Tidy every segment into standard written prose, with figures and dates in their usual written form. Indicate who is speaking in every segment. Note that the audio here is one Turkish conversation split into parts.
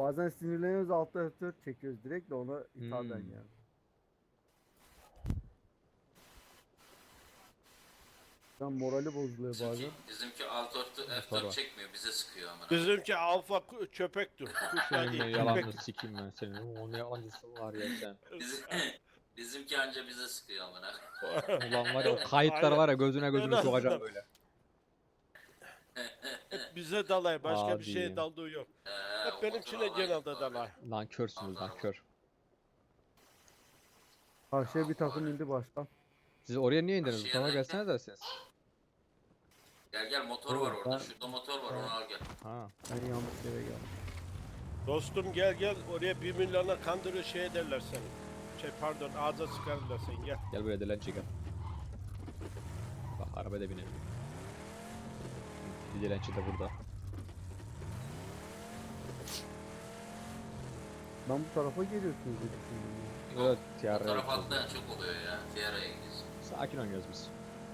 Speaker 1: Bazen sinirleniyoruz alt F4 çekiyoruz direkt de ona ithafen yani. Tam morali bozuluyor bazen.
Speaker 2: Bizimki alt
Speaker 3: Motor
Speaker 2: F4
Speaker 3: var.
Speaker 2: çekmiyor, bize sıkıyor amına.
Speaker 4: Bizimki alfa köpektir. Kuşlar
Speaker 3: Senin
Speaker 4: değil,
Speaker 3: ben yalanını
Speaker 4: köpektir.
Speaker 3: sikeyim ben senin. O ne yalancısı var ya sen.
Speaker 2: Bizimki anca bize sıkıyor amına.
Speaker 3: Ulan var ya o kayıtlar
Speaker 4: Aynen.
Speaker 3: var ya gözüne gözüne
Speaker 4: En
Speaker 3: sokacağım
Speaker 4: azından.
Speaker 3: böyle.
Speaker 4: Hep bize dalay, başka bir
Speaker 3: Hadi.
Speaker 4: şeye daldığı yok. Hep
Speaker 2: O
Speaker 4: benimkine
Speaker 2: motoru alayım
Speaker 4: genelde
Speaker 2: bari.
Speaker 4: dalay.
Speaker 3: Nankörsünüz nankör.
Speaker 1: Karşıya bir takım indi başkan.
Speaker 3: Siz oraya niye indiniz? Bu
Speaker 2: Karşıya
Speaker 3: tarafa
Speaker 2: derken?
Speaker 3: gelsene dersiniz.
Speaker 2: Gel motor var orada.
Speaker 1: Ben-
Speaker 2: Şurada motor var, onu al gel.
Speaker 3: Ha.
Speaker 1: Ben yanlış yere geldim.
Speaker 4: Dostum gel oraya 1 milyona kandırıyor şey ederler seni. Pardon ağza sıkarırlar seni gel.
Speaker 3: Gel buraya dilenci gel. Bak arabaya da binelim. Bir dilenci de burada.
Speaker 1: Ben bu tarafa geliyorsunuz diye düşündüm ya.
Speaker 3: Evet
Speaker 2: Bu
Speaker 3: tiara
Speaker 2: taraf
Speaker 3: yapacağız.
Speaker 2: atlayan çok oluyor ya. Tiara'ya gidiyorsun.
Speaker 3: Sakin oynuyoruz biz.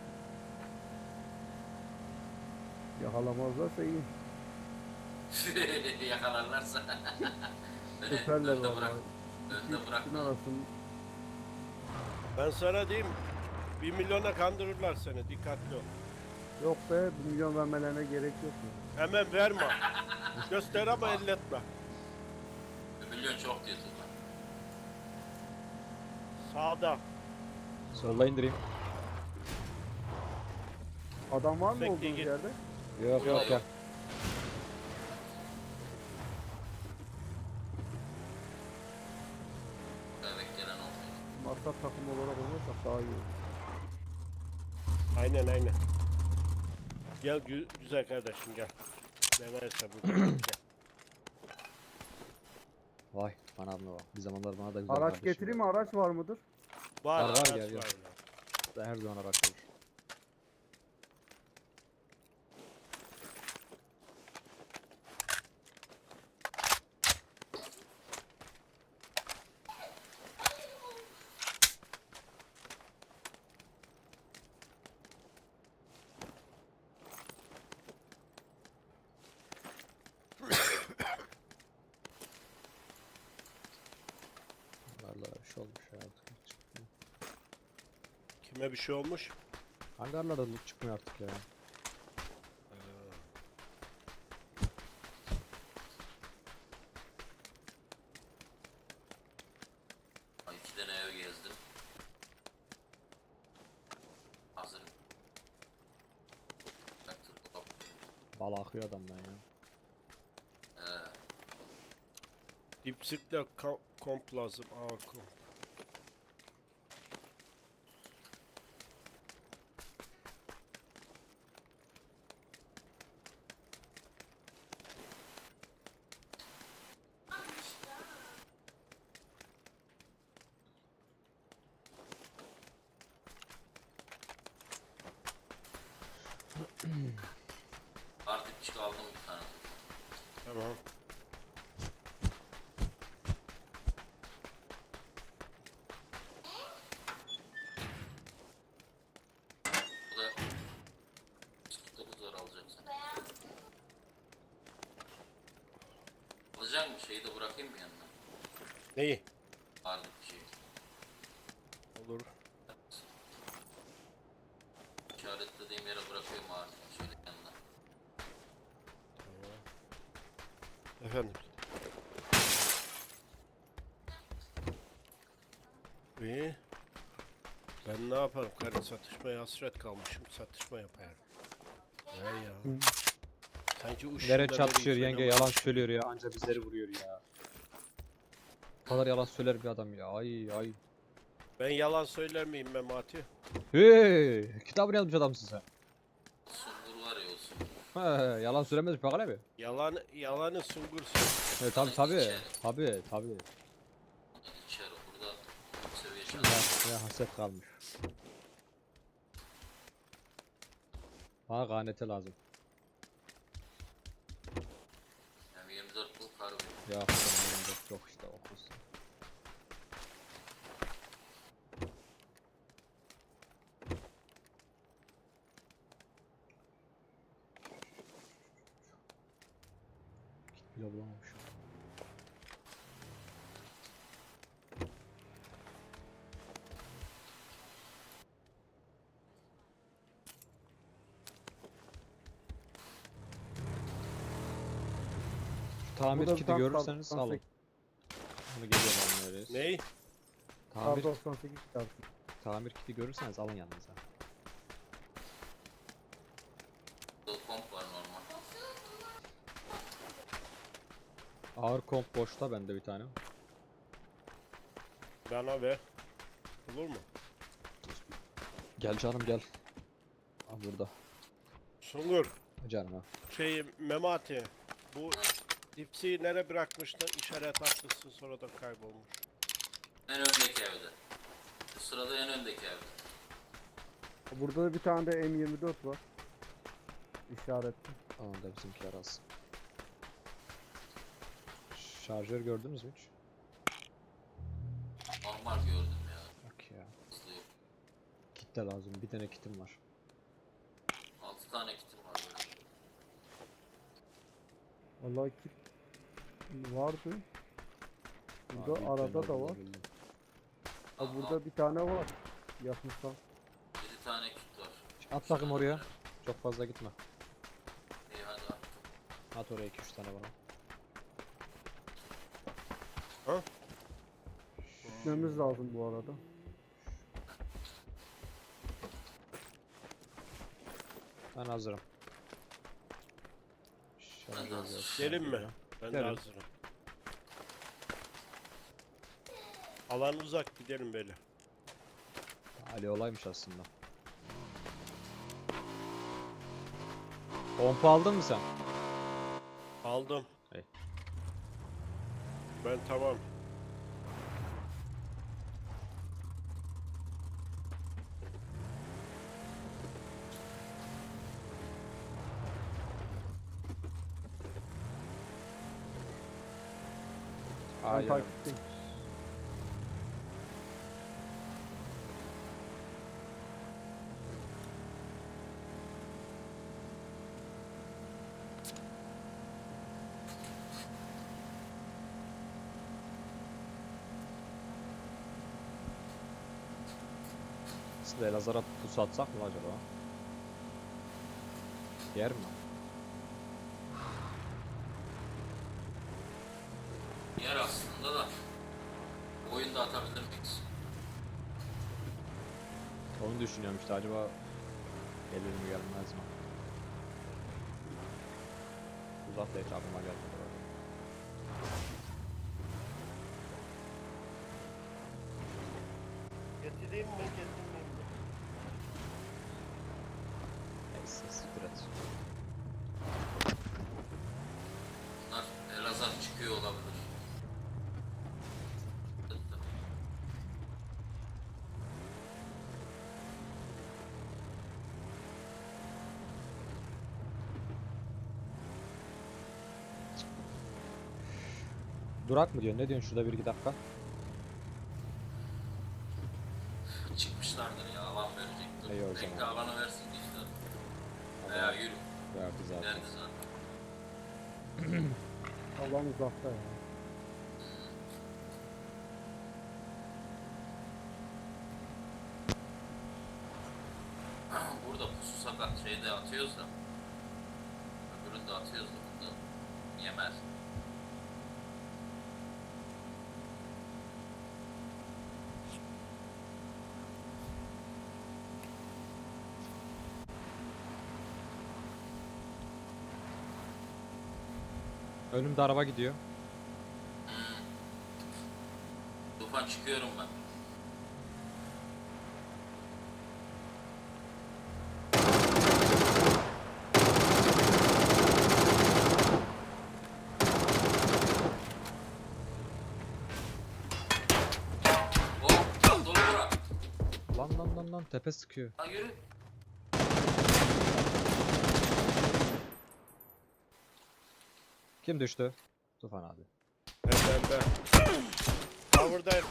Speaker 1: Yakalamazlarsa iyi.
Speaker 2: Yakalarlarsa.
Speaker 1: Süperler
Speaker 2: Önde bırak.
Speaker 1: vallahi.
Speaker 2: Önde bırak.
Speaker 1: İkisinin arasında.
Speaker 4: Ben sana diyeyim 1 milyona kandırırlar seni dikkatli ol.
Speaker 1: Yok be 1 milyon vermelerine gerek yok mu?
Speaker 4: Hemen verme. Göster ama elletme.
Speaker 2: 1 milyon çok diyorsun lan.
Speaker 4: Sağda.
Speaker 3: Solla indireyim.
Speaker 1: Adam var mı
Speaker 4: Bekle,
Speaker 1: olduğunuz
Speaker 4: git.
Speaker 1: yerde?
Speaker 3: Yok yok gel.
Speaker 2: Evet gelen olmuyor.
Speaker 1: Maksat takım olarak olursak daha iyi olur.
Speaker 4: Aynen. Gel güzel kardeşim gel. Ne varsa burada. Gel.
Speaker 3: Vay bana abla bak. Bir zamanlar bana da güzel
Speaker 1: Araç
Speaker 3: kardeşim
Speaker 1: getireyim mi?
Speaker 3: vardı.
Speaker 1: Araç var mıdır?
Speaker 4: Var
Speaker 3: Var,
Speaker 4: araç
Speaker 3: gel, gel.
Speaker 4: var. ya.
Speaker 3: Her zaman araç olur. Hangarlara bir şey olmuş ya artık.
Speaker 4: Kime bir şey olmuş?
Speaker 3: Hangarlarda loot çıkmıyor artık ya.
Speaker 2: Ay, 2 tane ev gezdim. Hazırım. Baktım, hop.
Speaker 3: Bal akıyor adamdan ya.
Speaker 4: Dipsikle komp lazım. Aa komp.
Speaker 2: Artık çık aldım bir tane.
Speaker 4: Tamam.
Speaker 2: Bu da 9 lira alacaksın. Alacak mı? Şeyi de bırakayım mı yanına?
Speaker 4: Neyi?
Speaker 2: Artık bir şey.
Speaker 4: Olur.
Speaker 2: İşaretlediğim yere bırakıyorum artık. Şöyle yanına.
Speaker 4: Efendim. İyi. Ben ne yaparım? Karı satışmaya hasret kalmışım. Satışma yaparım. Ne ya? Sanki
Speaker 3: Nereye çatışıyor yenge yalan söylüyor ya anca bizleri vuruyor ya. Bu kadar yalan söyler bir adam ya ay.
Speaker 4: Ben yalan söyler miyim Memati?
Speaker 3: Hey kitabını yazmış adamsın sen.
Speaker 2: Sungur var ya o sungur.
Speaker 3: He, yalan söylemez mi bakalım abi?
Speaker 4: Yalanı sungursun.
Speaker 3: Evet tabi tabi. Tabi tabi.
Speaker 2: İçeri burada seviye
Speaker 3: Ya,
Speaker 2: şansı.
Speaker 3: ya haset kalmış. Bana ganete lazım.
Speaker 2: Yani 24 bul kar veriyor.
Speaker 3: Ya çok işte okursun. Bile bulamamışım. tamir
Speaker 1: Burada bir
Speaker 3: kiti
Speaker 1: tane
Speaker 3: görürseniz
Speaker 1: kar
Speaker 3: alın. Bunu geliyorum öyle.
Speaker 4: Ney?
Speaker 3: Tamir,
Speaker 1: 98 çıkarsın.
Speaker 3: tamir kiti görürseniz alın yanınıza.
Speaker 2: Burada komp var normal.
Speaker 3: Ağır komp boşta bende bir tane.
Speaker 4: Bana ver. Olur mu?
Speaker 3: Gel canım gel. Al burada.
Speaker 4: Sungur.
Speaker 3: Canım ha.
Speaker 4: Memati. Bu dipsiyi nereye bırakmıştın? İşaret atmışsın sonra da kaybolmuş.
Speaker 2: En öndeki evde. Bu sırada en öndeki evde.
Speaker 1: Burada da bir tane de M24 var. İşaretli.
Speaker 3: Onu da bizimkiler alsın. Şarjör gördünüz mü hiç?
Speaker 2: Normal gördüm ya.
Speaker 3: Yok ya.
Speaker 2: Hızlı yok.
Speaker 3: Kit de lazım. Bir tane kitim var.
Speaker 2: 6 tane kitim var böyle.
Speaker 1: Vallahi kit vardı. Burada
Speaker 3: Abi,
Speaker 1: arada
Speaker 3: ben
Speaker 1: da
Speaker 3: olduğunu
Speaker 1: var.
Speaker 3: bildim.
Speaker 1: Ha, burada bir tane var. Yakmışsam.
Speaker 2: 7 tane kit var.
Speaker 3: At bakayım oraya. Çok fazla gitme.
Speaker 2: İyi hadi attım.
Speaker 3: At oraya 2-3 tane bana.
Speaker 4: Ha?
Speaker 1: Gitmemiz lazım bu arada.
Speaker 3: Ben hazırım.
Speaker 2: Ben de
Speaker 3: Şarjör
Speaker 2: hazırım.
Speaker 3: yok.
Speaker 4: Gelin mi? Ben de
Speaker 3: Gelin.
Speaker 4: hazırım. Alan uzak gidelim böyle.
Speaker 3: Ali olaymış aslında. Pompa aldın mı sen?
Speaker 4: Aldım.
Speaker 3: İyi.
Speaker 4: Ben tamam.
Speaker 1: Ben
Speaker 3: Hayır.
Speaker 1: takipteyim.
Speaker 3: Siz de Elazığ'a pusu atsak mı acaba? Yer mi?
Speaker 2: Yer aslında da. Oyunda atabilir miyiz?
Speaker 3: Onu düşünüyorum işte acaba gelir mi gelmez mi? Uzak da hiç aklıma gelmedi.
Speaker 4: Getireyim mi getirmeyeyim mi?
Speaker 3: Neyse siktir et.
Speaker 2: Bunlar Elazığ çıkıyor olabilir.
Speaker 3: Durak mı diyorsun? Ne diyorsun şurada 1-2 dakika?
Speaker 2: Çıkmışlardır ya, alan verecektir.
Speaker 3: İyi o
Speaker 2: Bekle
Speaker 3: zaman.
Speaker 2: alanı versin işte. Veya yürü.
Speaker 3: Verdi zaten.
Speaker 2: Verdi zaten.
Speaker 1: Allah'ım uzakta ya.
Speaker 2: Burada pusu sakat şeyde atıyoruz da. Öbüründe atıyoruz da burada yemez.
Speaker 3: Önümde araba gidiyor.
Speaker 2: Tufan çıkıyorum ben. Hop, dolu bırak.
Speaker 3: Lan tepe sıkıyor.
Speaker 2: Ha yürü.
Speaker 3: Kim düştü? Tufan abi.
Speaker 4: Ben. Cover'dayım.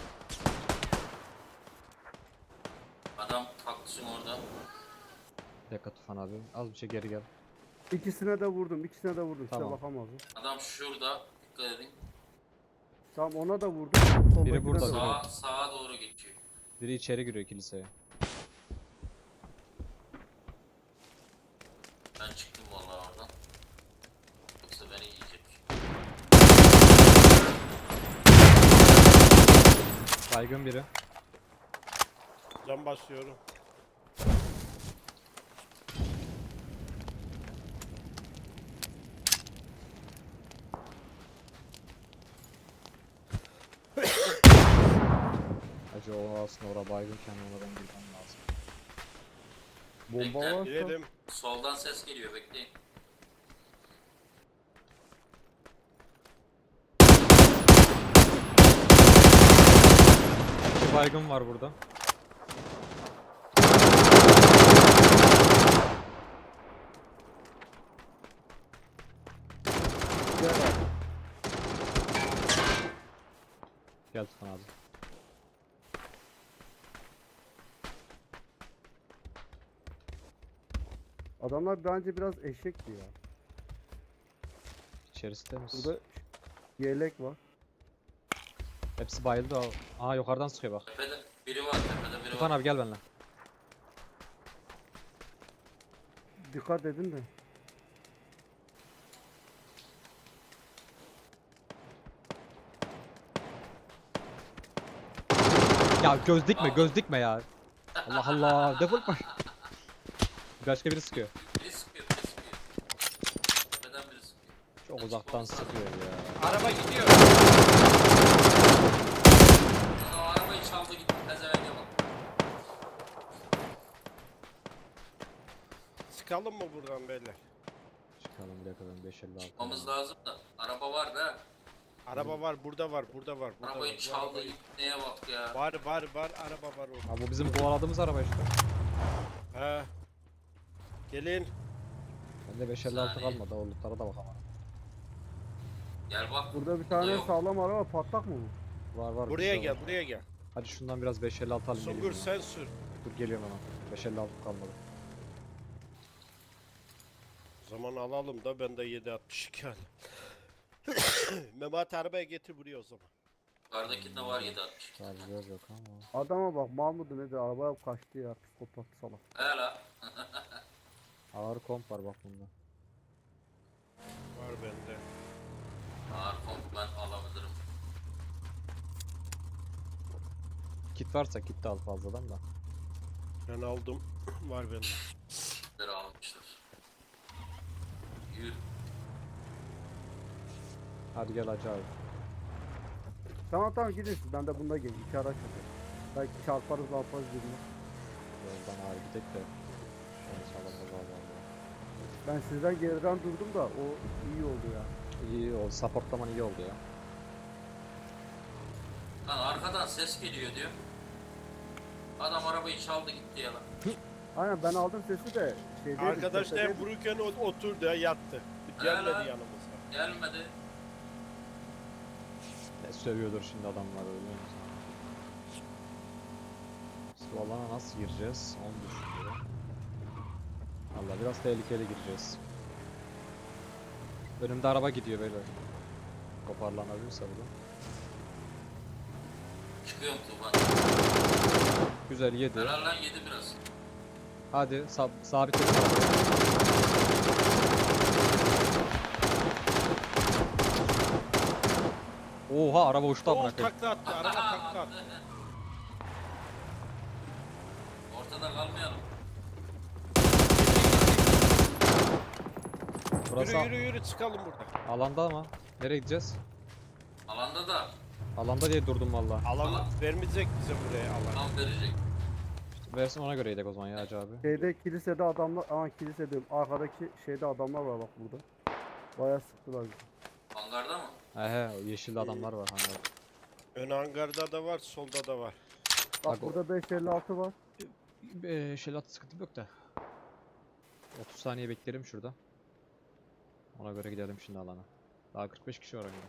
Speaker 2: Adam haklısın orada.
Speaker 3: Dakika Tufan abi. Az bir şey geri gel.
Speaker 1: İkisine de vurdum. İkisine de vurdum.
Speaker 3: Tamam.
Speaker 1: Size bakamazdım.
Speaker 2: Adam şurada. Dikkat edin.
Speaker 1: Tamam ona da vurdum. Soldakine
Speaker 3: burada,
Speaker 1: de
Speaker 3: biri.
Speaker 1: vurdum.
Speaker 2: Sağa doğru geçiyor.
Speaker 3: Biri içeri giriyor kiliseye.
Speaker 2: Ben çıktım vallahi oradan. Yoksa beni yiyecek.
Speaker 3: Baygın biri.
Speaker 4: Can basıyorum.
Speaker 3: Acı o aslında orada baygınken ona ben girmem lazım.
Speaker 1: Bomba
Speaker 2: Bekle,
Speaker 1: varsa
Speaker 4: Girelim.
Speaker 2: Soldan ses geliyor, bekleyin.
Speaker 3: İki baygın var burada.
Speaker 1: gel abi.
Speaker 3: Gel Tufan abi.
Speaker 1: Adamlar bence biraz eşekti ya.
Speaker 3: İçerisinde misin?
Speaker 1: Burada yelek var.
Speaker 3: Hepsi bayıldı abi. Aa yukarıdan sıkıyor bak.
Speaker 2: Tepede biri var, tepede biri
Speaker 3: Tufan
Speaker 2: var.
Speaker 3: abi gel benimle.
Speaker 1: Dikkat edin de.
Speaker 3: Ya göz dikme göz dikme ya. Allah Allah defol koş. Başka biri sıkıyor.
Speaker 2: Biri sıkıyor, biri sıkıyor. Tepeden biri sıkıyor.
Speaker 3: Çok uzaktan sıkıyor ya.
Speaker 4: Araba gidiyor.
Speaker 2: O arabayı çaldı gitti, pezevenge bak.
Speaker 4: Sıkalım mı buradan beyler?
Speaker 3: Çıkalım bir dakika ben 556.
Speaker 2: Çıkmamız lazım da. Araba var da.
Speaker 4: Araba var, burada var, burada var. Burada
Speaker 2: Arabayı
Speaker 4: var. Bu
Speaker 2: çaldı
Speaker 4: arabayı-
Speaker 2: gitti, neye bak ya.
Speaker 4: Var, araba var orada.
Speaker 3: Ha bu bizim kovaladığımız araba işte.
Speaker 4: He. Gelin.
Speaker 3: Bende 556
Speaker 2: Saniye.
Speaker 3: kalmadı. O lootlara da bakamam.
Speaker 2: Gel bak.
Speaker 1: Burada bir tane
Speaker 2: yok.
Speaker 1: sağlam araba patlak mı bu?
Speaker 3: Var
Speaker 4: Buraya
Speaker 3: bizde
Speaker 4: gel,
Speaker 3: var.
Speaker 4: buraya gel.
Speaker 3: Hadi şundan biraz 556 alayım.
Speaker 4: Sungur
Speaker 3: geleyim ya.
Speaker 4: sen sür.
Speaker 3: Dur geliyorum hemen. 556 kalmadı.
Speaker 4: O zaman alalım da ben de 762 alayım. Mehmet arabaya getir buraya o zaman.
Speaker 2: Yukarıdakinde var 760.
Speaker 3: Şarjör yok ama.
Speaker 1: Adama bak Mahmut'u nedir arabaya kaçtı ya psikopat salak.
Speaker 2: He la.
Speaker 3: Ağır komp var bak bunda.
Speaker 4: Var bende.
Speaker 2: Ağır komp ben alabilirim.
Speaker 3: Kit varsa kit de al fazladan da.
Speaker 4: Ben aldım. Var bende.
Speaker 2: Sizleri almışlar. Yürü.
Speaker 3: Hadi gel Hacı abi.
Speaker 1: Tamam gidin siz ben de bunda geleyim. İki araç yapayım. Belki çarparız birine.
Speaker 3: Yoldan ağır gidek de. Şöyle sağlam da var.
Speaker 1: Ben sizden geriden durdum da o iyi oldu ya.
Speaker 3: İyi oldu. Supportlaman iyi oldu ya.
Speaker 2: Lan arkadan ses geliyor diyor. Adam arabayı çaldı gitti ya lan.
Speaker 1: Aynen ben aldım sesi de şeyde.
Speaker 4: Arkadaş da hem vururken oturdu ya, yattı. Gelmedi
Speaker 2: lan.
Speaker 4: yanımıza.
Speaker 2: Gelmedi.
Speaker 3: Ne sövüyordur şimdi adamlar öyle musun? Bu alana nasıl gireceğiz? Onu düşünüyorum. Valla biraz tehlikeli gireceğiz. Önümde araba gidiyor böyle. Toparlanabilirse bu.
Speaker 2: Çıkıyorum Tufan.
Speaker 3: Güzel yedi.
Speaker 2: Helal lan yedi biraz.
Speaker 3: Hadi sabit et. Oha araba uçtu amına
Speaker 4: Oh,
Speaker 3: koyayım.
Speaker 4: takla attı, araba takla attı.
Speaker 2: Ortada kalmayalım.
Speaker 3: Burası
Speaker 4: Yürü çıkalım burada.
Speaker 3: alanda ama. Nereye gideceğiz?
Speaker 2: Alanda da
Speaker 3: Alanda diye durdum valla.
Speaker 4: Alan vermeyecek bize buraya alan.
Speaker 2: tam verecek.
Speaker 3: Versin ona göre yedek o zaman ya Hacı abi.
Speaker 1: Şeyde kilisede adamlar, kilise diyorum. Arkadaki şeyde adamlar var bak burada. Bayağı sıktılar bizi.
Speaker 2: Hangarda mı?
Speaker 3: He o yeşilli adamlar var hani.
Speaker 4: Ön hangarda da var, solda da var.
Speaker 1: Bak
Speaker 3: Bak o-
Speaker 1: burada 556 var.
Speaker 3: Şelat sıkıntım yok da. 30 saniye beklerim şurada. Ona göre gidelim şimdi alana. Daha 45 kişi var önümde.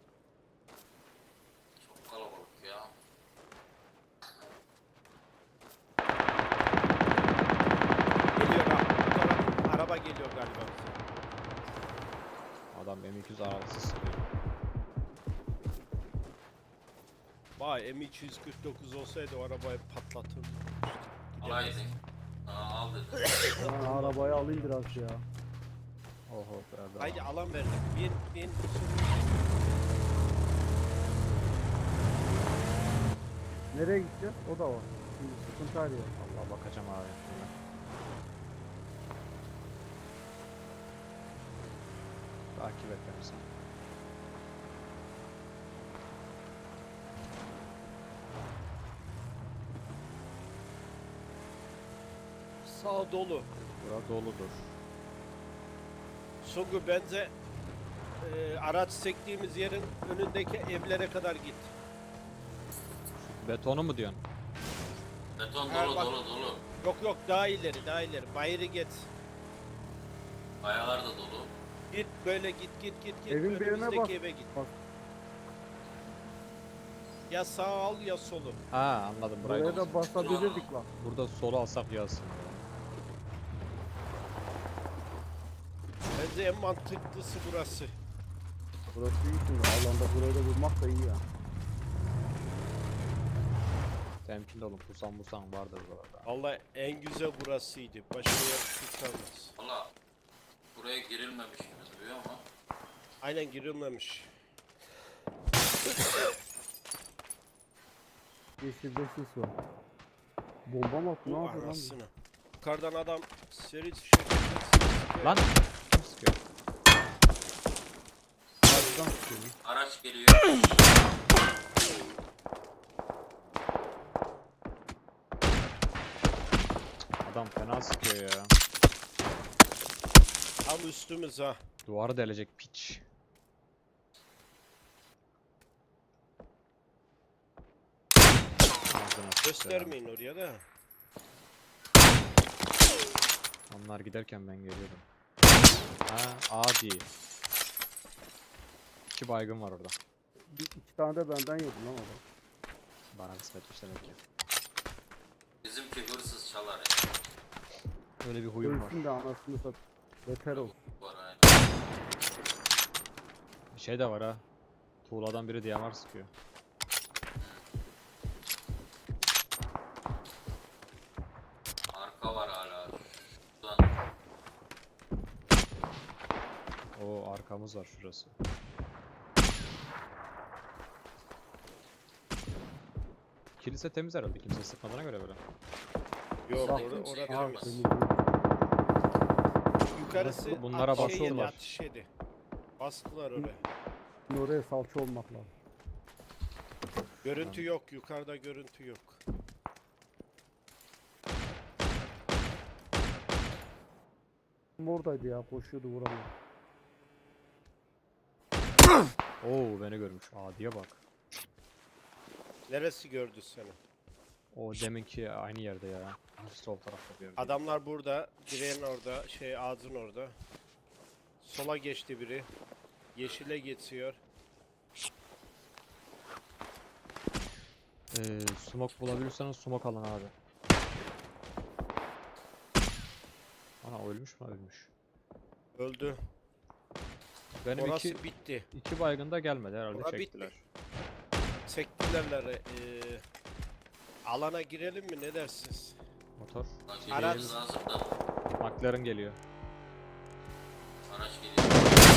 Speaker 2: Çok kalabalık ya.
Speaker 4: Geliyor bak. Bu taraf araba geliyor galiba bize.
Speaker 3: Adam M200 arabası sıkıyor.
Speaker 4: Vay M249 olsaydı o arabayı patlatırdı.
Speaker 2: Alaydın. Al dedi.
Speaker 1: Ben arabayı alayım biraz ya.
Speaker 3: Oho Ferdi.
Speaker 4: Haydi alan verdik. Bin.
Speaker 1: Nereye gideceğiz? O da var. Şimdi sıkıntı arıyor.
Speaker 3: Allah bakacağım abi. Hemen. Takip et beni sen.
Speaker 4: Sağ dolu.
Speaker 3: Bura doludur.
Speaker 4: Sungu benze araç sektiğimiz yerin önündeki evlere kadar git.
Speaker 3: Betonu mu diyorsun?
Speaker 2: Beton
Speaker 4: Ha,
Speaker 2: dolu
Speaker 4: bak.
Speaker 2: dolu dolu.
Speaker 4: Yok yok daha ileri daha ileri. Bayırı geç.
Speaker 2: Kayalar da dolu.
Speaker 4: Git böyle git git git git.
Speaker 1: Evin birine
Speaker 4: Önümüzdeki
Speaker 1: bak.
Speaker 4: eve git.
Speaker 1: Bak.
Speaker 4: Ya sağ al ya solu.
Speaker 3: Ha anladım burayı.
Speaker 1: Buraya da basabilirdik lan.
Speaker 3: Burada solu alsak yazsın.
Speaker 4: Bence en mantıklısı burası.
Speaker 1: Burası iyi şimdi. Alanda burayı da vurmak da iyi ya.
Speaker 3: Temkinli olun. Pusan vardır burada.
Speaker 4: Vallahi en güzel burasıydı. Başka yer tutamaz.
Speaker 2: Valla buraya girilmemiş gibi duruyor ama.
Speaker 4: Aynen girilmemiş.
Speaker 1: Yeşilde sis var. Bomba mı attı? Ne
Speaker 4: Bu
Speaker 1: yapıyor lan? bu?
Speaker 4: arasını. Yukarıdan adam seri şekilde
Speaker 3: Lan! Kim sıkıyor?
Speaker 1: Karşıdan sıkıyor.
Speaker 2: Araç geliyor.
Speaker 3: Adam fena sıkıyor ya.
Speaker 4: tam üstümüz ha.
Speaker 3: Duvarı delecek piç. Ağzına sıçtı ya.
Speaker 4: Göstermeyin oraya da.
Speaker 3: Onlar giderken ben geliyordum. Ha adi. 2 baygın var orada.
Speaker 1: İki tane de benden yedim lan adam.
Speaker 3: Bana kısmetmiş demek ki.
Speaker 2: Bizimki hırsız çalar ya.
Speaker 3: Öyle bir huyum var.
Speaker 1: Ölsün de anasını sat. Beter ol.
Speaker 2: Var aynen.
Speaker 3: Bir şey de var ha. Tuğladan biri DMR sıkıyor.
Speaker 2: Arka var hala. Şuradan
Speaker 3: Oo arkamız var şurası. Kilise temiz herhalde. Kimse sıkmadığına göre böyle.
Speaker 4: Yok
Speaker 1: Bak,
Speaker 4: orada
Speaker 2: kimse
Speaker 4: orada
Speaker 2: görmez.
Speaker 4: temiz. Yukarısı
Speaker 3: Bunlara
Speaker 4: at-
Speaker 3: basıyorlar.
Speaker 4: Ateş yedi. Bastılar oraya.
Speaker 1: Şimdi oraya salça olmak lazım.
Speaker 4: Görüntü yok. Yukarıda görüntü yok.
Speaker 1: Oradaydı ya, koşuyordu vuramıyor.
Speaker 3: Oo beni görmüş. Adiye bak.
Speaker 4: Neresi gördü seni?
Speaker 3: O deminki aynı yerde ya. Sol tarafta bir yerde.
Speaker 4: Adamlar burada. Direğin orada. Ağzın orada. Sola geçti biri. Yeşile geçiyor.
Speaker 3: Smoke bulabilirseniz smoke alın abi. Ana ölmüş mü ölmüş.
Speaker 4: Öldü.
Speaker 3: Benim
Speaker 4: Orası
Speaker 3: iki
Speaker 4: bitti.
Speaker 3: baygın da gelmedi herhalde
Speaker 4: Ora
Speaker 3: çektiler.
Speaker 4: bitti. Sektilerler. Alana girelim mi? Ne dersiniz?
Speaker 3: Motor.
Speaker 2: Lan
Speaker 4: Araç-
Speaker 2: girmemiz lazım da.
Speaker 3: McLaren geliyor.
Speaker 2: Araç geliyor.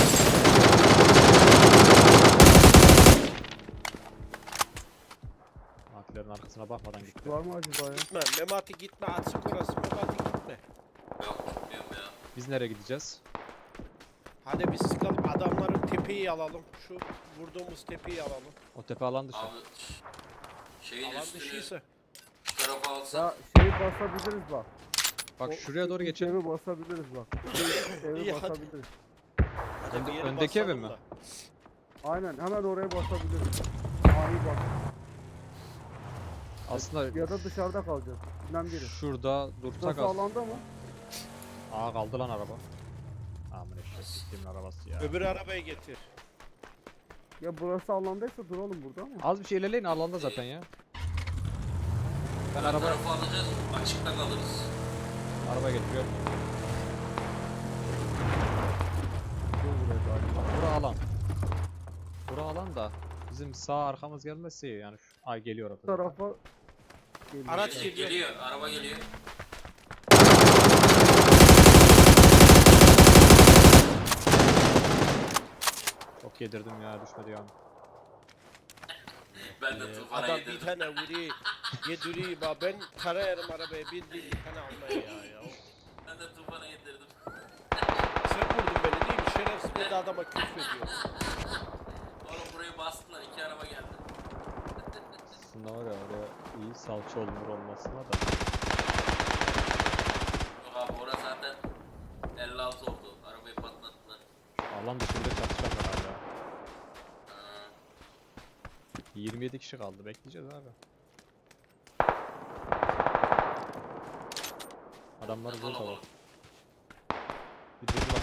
Speaker 3: McLaren arkasına bakmadan gitti.
Speaker 1: Var mı acaba ya?
Speaker 4: Gitme. Memati gitme. Açık orası. Memati gitme.
Speaker 2: Yok gitmiyorum ya.
Speaker 3: Biz nereye gideceğiz?
Speaker 4: Hadi biz sıkalım. Adamların tepeyi alalım. Şu vurduğumuz tepeyi alalım.
Speaker 3: O tepe alan dışı.
Speaker 2: Abi şeyin
Speaker 4: Alan
Speaker 2: üstünü
Speaker 4: dışıysa.
Speaker 2: şu tarafa alsak.
Speaker 1: Ya şeyi basabiliriz bak.
Speaker 3: Bak
Speaker 1: O
Speaker 3: şuraya doğru
Speaker 1: ilk
Speaker 3: geçelim.
Speaker 1: Evi basabiliriz bak. Evi
Speaker 4: İyi, hadi.
Speaker 1: basabiliriz.
Speaker 4: Hadi bir yere
Speaker 3: öndeki evi
Speaker 4: basalım
Speaker 3: mi?
Speaker 4: da.
Speaker 1: Aynen, hemen oraya basabiliriz. Ani bak.
Speaker 3: Aslında
Speaker 1: Ya da dışarıda kalacağız. İkisinden biri.
Speaker 3: şurada dursak
Speaker 1: Nasıl
Speaker 3: az.
Speaker 1: alanda mı?
Speaker 3: Aa kaldı lan araba. Aman eşek siktiğimin arabası ya.
Speaker 4: Öbür arabayı getir.
Speaker 1: Ya burası alandaysa duralım burada ama.
Speaker 3: Az bir şey ilerleyin alanda zaten ya. Ben
Speaker 2: Bu
Speaker 3: araba
Speaker 2: tarafa alacağız. Açıkta kalırız.
Speaker 3: getiriyorum.
Speaker 1: Dur buraya galiba.
Speaker 3: Bura alan. Bura alan da bizim sağ arkamız gelmezse iyi yani. Ay geliyor
Speaker 1: Bu
Speaker 3: orada.
Speaker 1: tarafa geliyor.
Speaker 4: Araç
Speaker 2: Geliyor,
Speaker 4: geliyor.
Speaker 2: geliyor. Araba geliyor.
Speaker 3: Çok yedirdim ya düşmedi ya.
Speaker 2: Ben de tufana
Speaker 4: Adam bir
Speaker 2: yedirdim.
Speaker 4: tane vuruyor. Yediriyi bak ben tarayarım arabaya bildiğin tane almaya ya.
Speaker 2: Ben de Tufan'a yedirdim.
Speaker 4: Sen vurdun beni değil mi? Şerefsiz bir de adama küfrediyor.
Speaker 2: Oğlum burayı bastılar, 2 araba geldi.
Speaker 3: Aslında var ya oraya iyi salça olunur olmasına da.
Speaker 2: Yok abi orası zaten 56 oldu. Arabayı patlattılar.
Speaker 3: Alan dışında çatışan var hala.
Speaker 2: Ha.
Speaker 3: 27 kişi kaldı. Bekleyeceğiz abi. Adamlar
Speaker 2: Ne
Speaker 3: burada var.
Speaker 2: kalabalık.
Speaker 3: Bir durdular.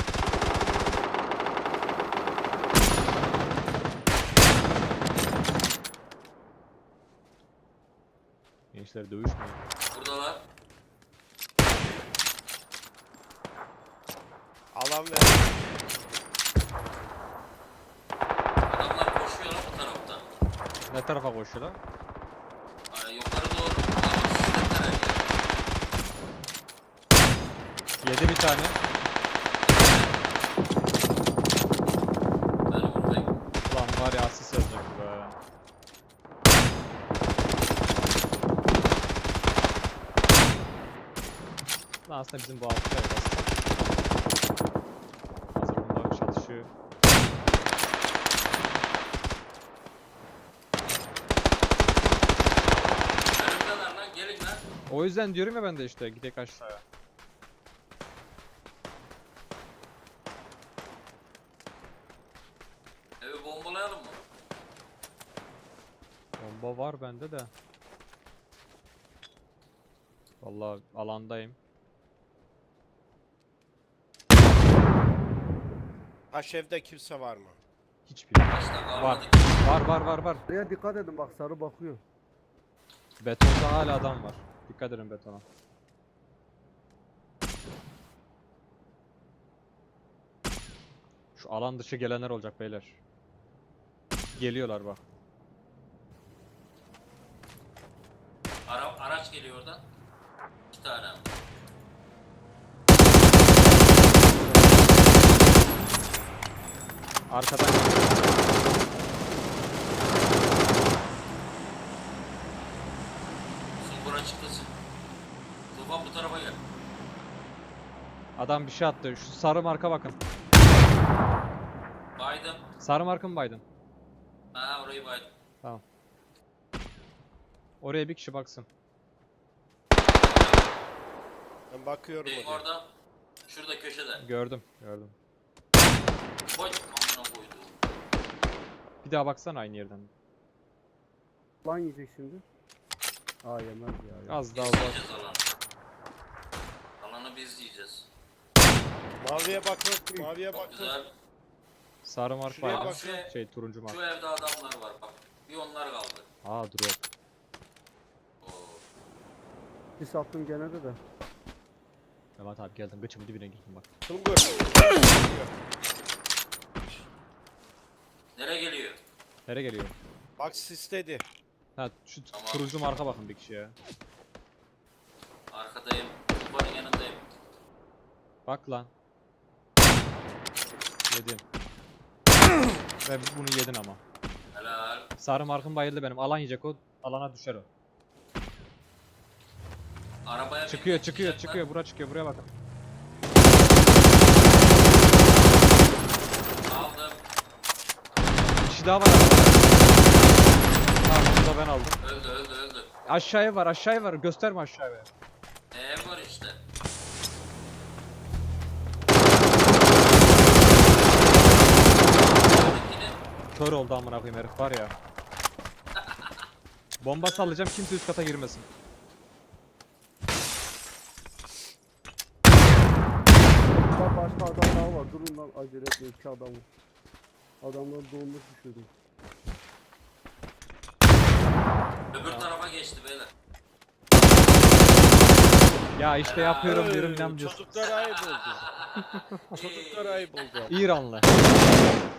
Speaker 3: Gençler dövüşmüyor.
Speaker 2: Buradalar.
Speaker 4: Alan ver.
Speaker 2: Adamlar koşuyor lan bu taraftan.
Speaker 3: Ne tarafa koşuyorlar?
Speaker 2: Yukarı doğru. Ama sistemler her yer.
Speaker 3: Yedi bir tane.
Speaker 2: Ben vurmayayım.
Speaker 3: Ulan var ya asist olacak be. Lan aslında bizim bu altta yok aslında. Hazır bunlar çalışıyor.
Speaker 2: Önümdeler lan, gelin lan.
Speaker 3: O yüzden diyorum ya ben de işte gidek aşağıya.
Speaker 2: Evi bombalayalım mı?
Speaker 3: Bomba var bende de. Vallahi alandayım.
Speaker 4: Taş evde kimse var mı?
Speaker 3: Hiçbir.
Speaker 2: Başta
Speaker 3: Var.
Speaker 2: kalmadı.
Speaker 3: Var.
Speaker 1: Buraya dikkat edin bak sarı bakıyor.
Speaker 3: Betonda hala adam var. Dikkat edin betona. Şu alan dışı gelenler olacak beyler. Geliyorlar bak.
Speaker 2: Araç geliyor oradan. 2 tane.
Speaker 3: Arkadan geliyor.
Speaker 2: Sumbura çıktırsın. Tufan bu tarafa gel.
Speaker 3: Adam bir şey attı. Şu sarı marka bakın.
Speaker 2: Baydım.
Speaker 3: Sarı marka mı baydın?
Speaker 2: Aha orayı baydım.
Speaker 3: Tamam. Oraya bir kişi baksın.
Speaker 4: Ben bakıyorum
Speaker 2: Benim
Speaker 4: oraya.
Speaker 2: orada. Şurada köşede.
Speaker 3: Gördüm.
Speaker 2: Koy. Amına koydu.
Speaker 3: Bir daha baksana aynı yerden.
Speaker 1: Lan yiyecek şimdi. Aa yemez ya.
Speaker 3: Az daha
Speaker 2: Biz
Speaker 3: uzak.
Speaker 2: yiyeceğiz alanı. Alanı biz yiyeceğiz.
Speaker 4: Maviye bakın. Maviye
Speaker 2: Çok
Speaker 4: bakın.
Speaker 2: güzel.
Speaker 3: Sarı marka
Speaker 4: Şuraya
Speaker 3: baydın.
Speaker 4: bak.
Speaker 3: Şey turuncu marka.
Speaker 2: Şu evde adamlar var bak. Bir onlar kaldı.
Speaker 3: Aa drop.
Speaker 2: Oo.
Speaker 1: Bir sattım gene de.
Speaker 3: Mehmet abi geldim. Gıçımın dibine girdim bak.
Speaker 4: Sungur.
Speaker 2: Nereye geliyor?
Speaker 3: Nereye geliyor?
Speaker 4: Bak sisledi.
Speaker 3: Ha şu
Speaker 2: Tamam.
Speaker 3: turuncu marka bakın bir kişiye.
Speaker 2: Arkadayım. Tufanın yanındayım.
Speaker 3: Bak lan. Yedin. Ve bunu yedin ama.
Speaker 2: Helal.
Speaker 3: Sarı markım bayıldı benim. Alan yiyecek o. Alana düşer o.
Speaker 2: Arabaya
Speaker 3: Çıkıyor
Speaker 2: bindik,
Speaker 3: çıkıyor
Speaker 2: çıkacaklar.
Speaker 3: çıkıyor. Bura çıkıyor. Buraya bakın.
Speaker 2: Aldım.
Speaker 3: Bir kişi daha var arabada. Tamam onu da ben aldım.
Speaker 2: Öldü.
Speaker 3: Aşağıya var. Gösterme aşağıya.
Speaker 2: Ev var işte. Ötekini
Speaker 3: Kör oldu amına koyayım herif var ya. Bomba sallayacağım kimse üst kata girmesin.
Speaker 1: Bak başka adam daha var. Durun lan acele etme 2 adam var. Adamlar dolmuş düşürdü.
Speaker 2: öbür tarafa geçti beyler.
Speaker 3: Ya işte yapıyorum diyorum
Speaker 4: Öy,
Speaker 3: inanmıyorsun.
Speaker 4: Çocuklar ayıp oldu. Çocuklar ayıp oldu.
Speaker 3: İranlı.